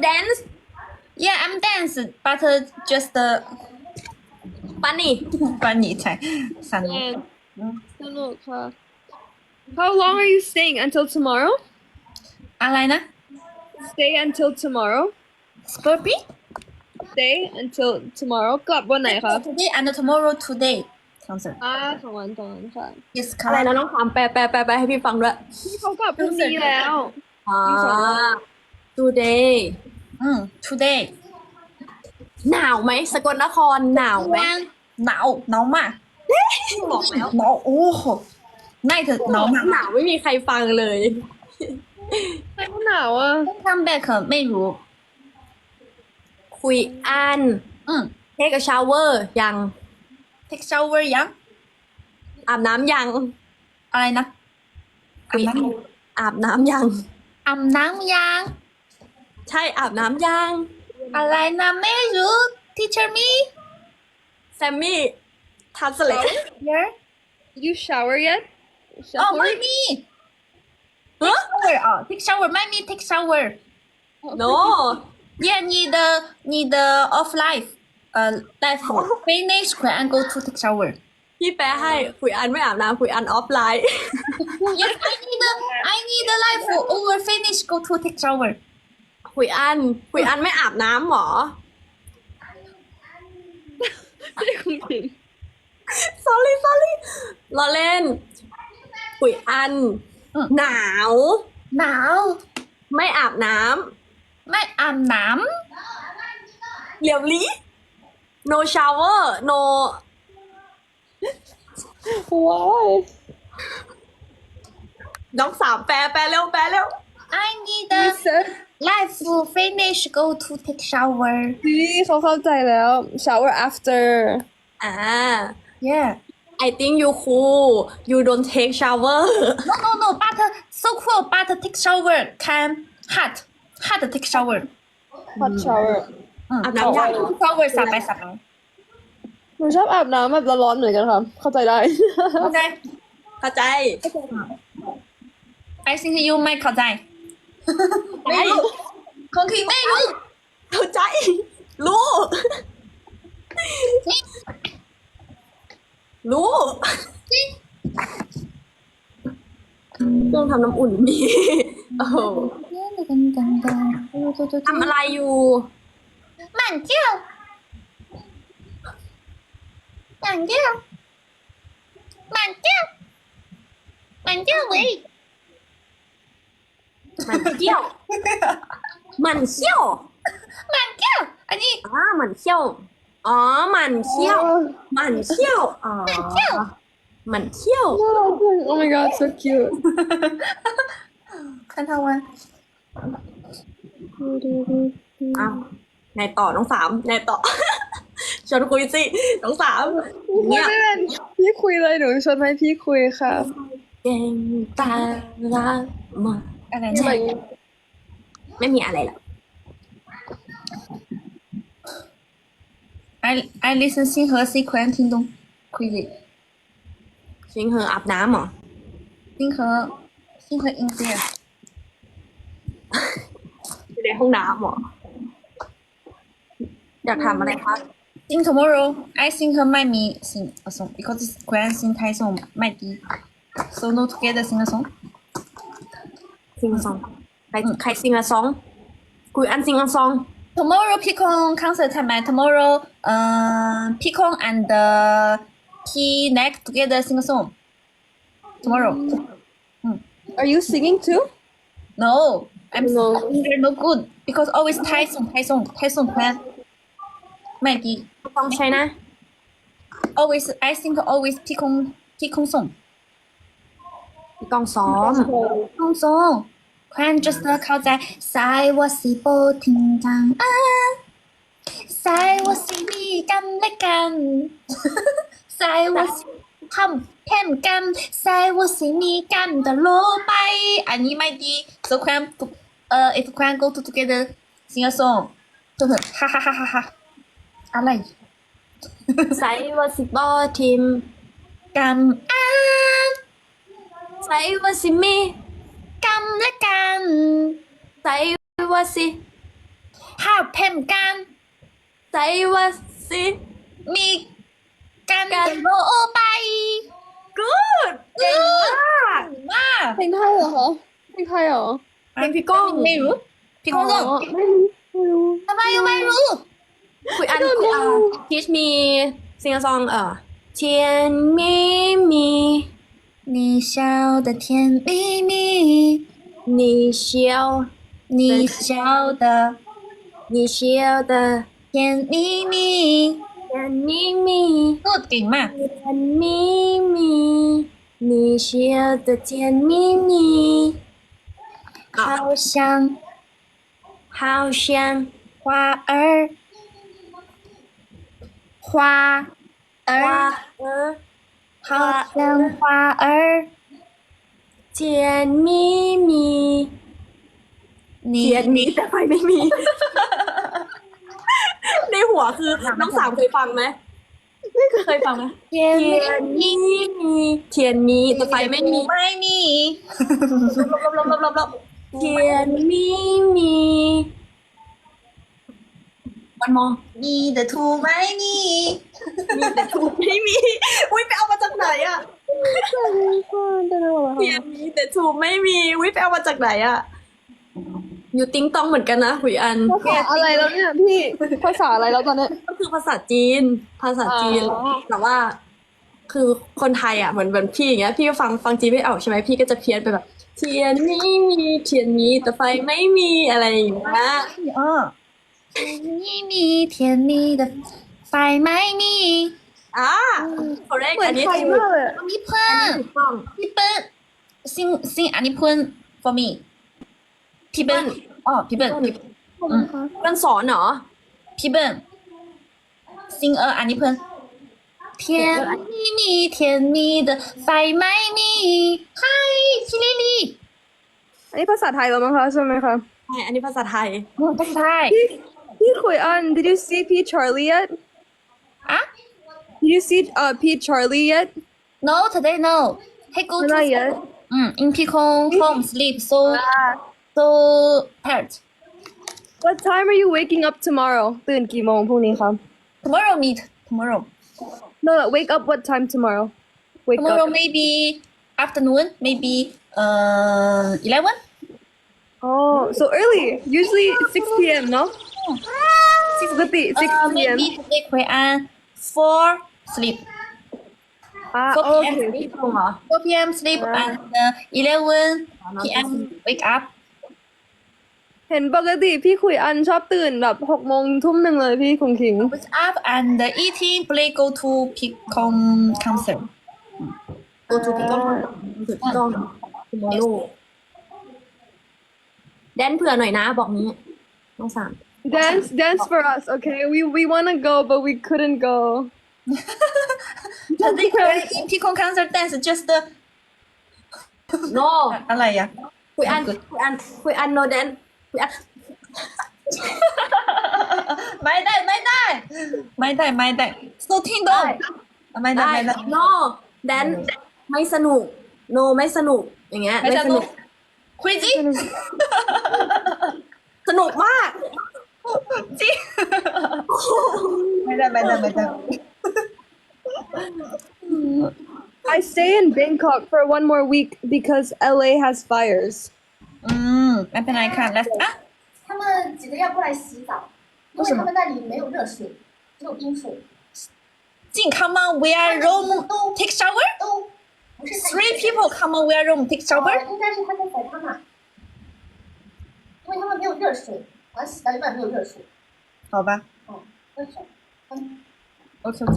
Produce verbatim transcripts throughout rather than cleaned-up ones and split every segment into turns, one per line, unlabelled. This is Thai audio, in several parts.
dance
Yeah, I'm dance, but uh, just uh,
funny
funny ใช่สนุก
สนุกค่ะ How long are you staying until tomorrow?
อะไรนะ
Stay until tomorrow.
Scorpio
Stay until tomorrow. กลับวันไหนคะ
today and tomorrow today concert
อ่าสองวันสองวันค่ะ
yes
อะไร
correct
นะน้องถามแปลแปลแปลแปลให้พี่ฟังด้วย
พี่เขากลับพรุ่งนี้แล้ว
อ่า today
อืม today
หนาวไหมสกลนครหนาวไหม
หนาวหนาวมาก
บอกแล้ว
หนาวโอ้โหน่าจะหนาวมาก
หนาวไม่มีใครฟังเลย
ไม่หนาวอ่ะ
come back ไม่รู้
คุยอัน
อืม
take a shower ยัง
take shower ยัง
อาบน้ำยัง
อะไรนะ
คุยอันอาบน้ำยัง
อาบน้ำยัง
ใช่อาบน้ำยัง
อะไรนะไม่รู้ teacher me
แซมมี่ทัสเลต
here
Did you shower yet
อ๋อ
Shower?
ไม่มี
ฮะ
shower อ๋อ take shower ไม่มี take shower
no
yeah 你的你的 off life 呃 life finish and go to take shower
พี่แปลให้คุยอันไม่อาบน้ำคุยอันออฟไลน์
yes I need the I need the life over finish go to take shower
คุยอันคุยอันไม่อาบน้ำหรอ sorry sorry เราเล่นคุยอัน
อืม
หนาว
หนาว
ไม่อาบน้
ไม่อาบน้
ำเหลียวลี no shower no
Why
น้องสามแปลแปลเร็วแปลเร็ว
ำ I need
You
the
said
life finish go to take shower
ดีเขาเข้าใจแล้ว shower after
อ่า
yeah
I think you cool you don't take shower
no no no but so cool but take shower can hot hot take shower
hot shower
อืม
อาบน้ำยัง
take shower สับไปสับไป
หนูชอบอาบน้ำแบบร้อนๆเหมือนกันค่ะ เข้าใจได้
เข้าใจ
เข้าใจ
I think you ไม่เข้าใจ ไม่รู้คงคิดไม่รู้
เข้าใจ รู้ รู้เครื่องทำน้ำอุ่นมีโอ้โหทำอะไรอยู่
慢叫慢叫慢叫慢叫喂
มันเที่ยว มันเที่ยว
慢叫อันนี้
อ๋อมันเที่ยว อ๋อ มันเที่ยว มันเที่ยว อ๋อ มันเที่ยว
Oh my god so cute
看他玩
อ้าวไงต่อน้องสามไงต่อ ชวนคุยสิ น้องสาม
ไม่
เนี่ย
เป็นพี่คุยเลยหนูชวนให้พี่คุยค่ะ
เก่งตาลามา
อะไร
ใช่
เนี่ย
ไม่มีอะไรหรอก
I I listen 星河 C 款听懂 crazy
ชิงเหออาบน้ำเหรอ
星河星河 in there
อยู่ในห้องน้ำเหรอ อยากทำอะไรคะ
in tomorrow I think 和麦米 sing a song because it's Korean sing Thai song 麦迪 so no together sing a song
ซิงซองใครใครซิงอะซองคุยอันซิงอะซอง
tomorrow Picon concert time tomorrow uh Picon and the T next together sing a song tomorrow
Are you singing too
no I'm
No.
they're no good because always Thai song Thai song Thai song plan 麦迪
ซองใช่นะ
always I think always Picon Picon song
พี่กองซ้อม
放松，快 just 靠在在我是不停当啊，在我是你干的干，在我是ทำแค่กัน在我是你干的萝卜，อันนี้ไม่ดี so 快เอ่อ if 快 go to together sing a song 就很哈哈哈哈哈อะไร
ใส่ว่าสิบอทีม
กันอ่ะ
ใส่ว่าสิมี
กันและกัน
ใส่ว่าสิ
อาบเพ่มกัน
ไซว่าสิ
มีกัน
กัน
โรไป
good เก่งมาก
มาก
เพลงไทยเหรอคะเพลงไทยเหรอ
เพลงพี่ก้อง
ไม่รู้พี่ก้อง
อ๋อไม่รู้ไม่รู้
ทำไมไม่รู้
คุยอันคุยอัน teach me sing a song เออ甜蜜蜜
你笑的甜蜜蜜，
你笑
你笑的
你笑的
甜蜜蜜，
甜蜜蜜
พูดเก่งมาก
甜蜜蜜你笑的甜蜜蜜
好像
好像
花儿花儿
花儿
好像花儿
甜蜜蜜
你
เทียนมีแต่ไฟไม่มี ในหัวคือน้องสาวเคยฟังไหมไม่เคยฟังไหม
甜
เทียน
蜜
มีมีเทียนมีแต่ไฟไม่มี
ไม่มี
ลบลบลบลบลบเทียนมีมีมันมอง
你的图ไม่มี
มีแต่ถูกไม่มี อุ้ยไปเอามาจากไหนอะ
ได้ไหมวะ
เทียนมีแต่ถูกไม่มีอุ้ยไปเอามาจากไหนอะอยู่ติ้งตองเหมือนกันนะหุยอัน
ภาษาอะไรแล้วเนี่ยพี่ภาษาอะไรแล้วตอนเนี้ย
ก็คือภาษาจีน ภาษาจีน
อ๋อ
แต่ว่า คือคนไทยอ่ะเหมือนเหมือนพี่อย่างเงี้ย พี่ก็ฟังฟังจีนไม่ออกใช่ไหมพี่ก็จะเพี้ยนไปแบบ เทียนไม่มีเทียนมีแต่ไฟไม่มีอะไรอย่างเงี้ย
อ๋อมีมี甜蜜的ไฟไม่มี
อ่า correct
เหมือ
อั
น
นนี้
ไทย
ถูก
มากเลยอะ
มีเพื่อ
อัน
น
นี้ถูกต้อง
พี่เปิ้ลซิงซิงอันนี้เพื่อน for me พี่เปิ้ลอ๋อพี่เปิ้ล
ขอบคุณค่ะ
มันสอนเหรอ
พี่เปิ้ลซิงเอออันนี้เพื่อน甜蜜蜜甜蜜的ไฟไม่มี嗨พี่ลิลี่
อันนี้ภาษาไทยแล้วมั้งคะใช่ไหมคะ
ใช่ อันนี้ภาษาไทย
ภาษาไทย
พี่พี่คุยอัน did you see P Charlie yet
อ่ะ
did you see uh P Charlie yet
no today no hey go to
not yet
อืม in Picon home sleep so so tired
what time are you waking up tomorrow ตื่นกี่โมงพรุ่งนี้คะ
tomorrow meet tomorrow
no no wake up what time tomorrow wake
tomorrow
up
maybe afternoon maybe uh eleven
oh so early usually six p.m. no ปกติ six
uh
p.m.
maybe today คุยอัน four sleep
อ่า
four
โอ
p.m.
เค
sleep
ตรงเหรอ
four p.m. sleep and uh, eleven p.m. wake up
เห็นปกติพี่คุยอันชอบตื่นแบบหกโมงทุ่มหนึ่งเลยพี่คงคิง
wake up and uh, eating play go to Picon concert
go to พี่ก้องถูกต้อง tomorrow แดนเผื่อหน่อยนะบอกนี้น้องสาม
dance dance for us okay we we wanna go but we couldn't go
today in Picon concert dance just uh,
no
อะไรอ่ะ
คุยอันคุยอันคุยอัน no แดนคุยอัน
ไม่ได้ไม่ได้ไม่ได้ไม่ได้โซทิ้งดงไม่ได้
ได้
ไม่ได้
no แดนไม่สนุก no ไม่สนุก อย่างเงี้ย
ไม่
ไม่
ส
ส
นุ
นุ
ก
ก
crazy
สนุกมาก
จริงไม่ได้ไม่ได้ไม่ได้
I stay in Bangkok for one more week because L A has fires
อืมไม่เป็นไรค่ะแล้วอ่ะ
他们几个要过来洗澡，因为他们那里没有热水，只有冰水，
จริง come on we are room take shower
都不是太
three people come on we are room take
呃
shower
应该是他在宰他们，因为他们没有热水，好像洗到一半没有热水，
好吧
哦，热水，嗯，
OK OK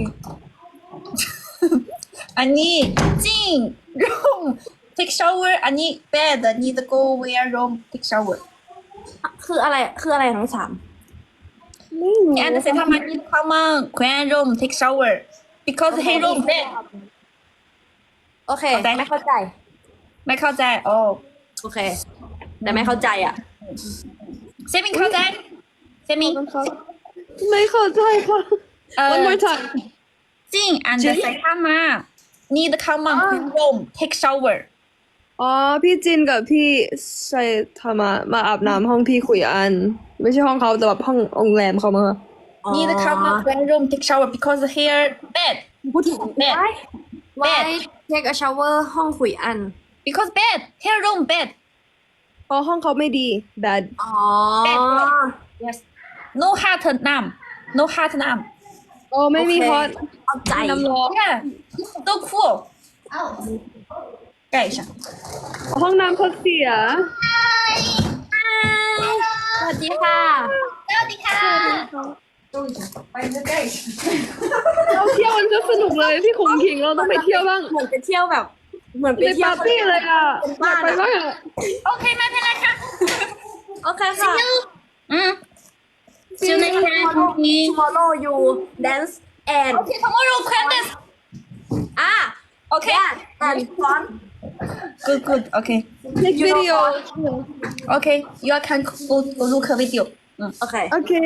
อันนี้จริง room take shower อันนี้ bed need go we are room take shower
คืออะไร คืออะไรทั้งสาม
ไม่รู้
and say ทำไม need come on Queen room take shower because he room bed
โอเค
เข้าใจ
ไม่เข้าใจ
ไม่เข้าใจโอ้
โอเค แต่ไม่เข้าใจอ่ะ
เซมิงเข้าใจเซมิง
ไม่เข้าใจค่ะ
เอ่อ
one more time
จริง and ใส่เข้ามา need come on Queen room take shower
อ๋อพี่จินกับพี่ใส่ทำมามาอาบน้ำห้องพี่คุยอันไม่ใช่ห้องเขาแต่แบบห้องโรงแรมเขามา
need to come up bedroom take shower because here bed
พูดถึง
bed
why take a shower ห้องขุยอัน
because bed here room bed
เพราะห้องเขาไม่ดี bad
อ๋อ
yes no hot น้ำ no hot น้
โอ้ไม่มี
โอเค
ฮอต
เอาใจ
น้ำร้อน
ำ yeah so cool
哦，
盖一下
ห้องน้ำเขาเสีย
สวัสดีค่ะ
สวัสดีค่ะ
收一下，把你的盖上。
เราเที่ยวมันก็สนุกเลยพี่คงคิงเราต้องไปเที่ยวบ้าง
เหมือนไปเที่ยวแบบ เหมือนไป
ใน
เที่ยว
ปาร์ตี้เลยอ่ะอยากไปบ้างอะ
โอเคไม่เป็นไรค่ะ
โอเคค่ะ
อืม see you next time
tomorrow you dance and
okay tomorrow Candice
อ่ะ
okay
yeah and fun
good good okay
next video
okay you can go go look a video 嗯。
โอเค
okay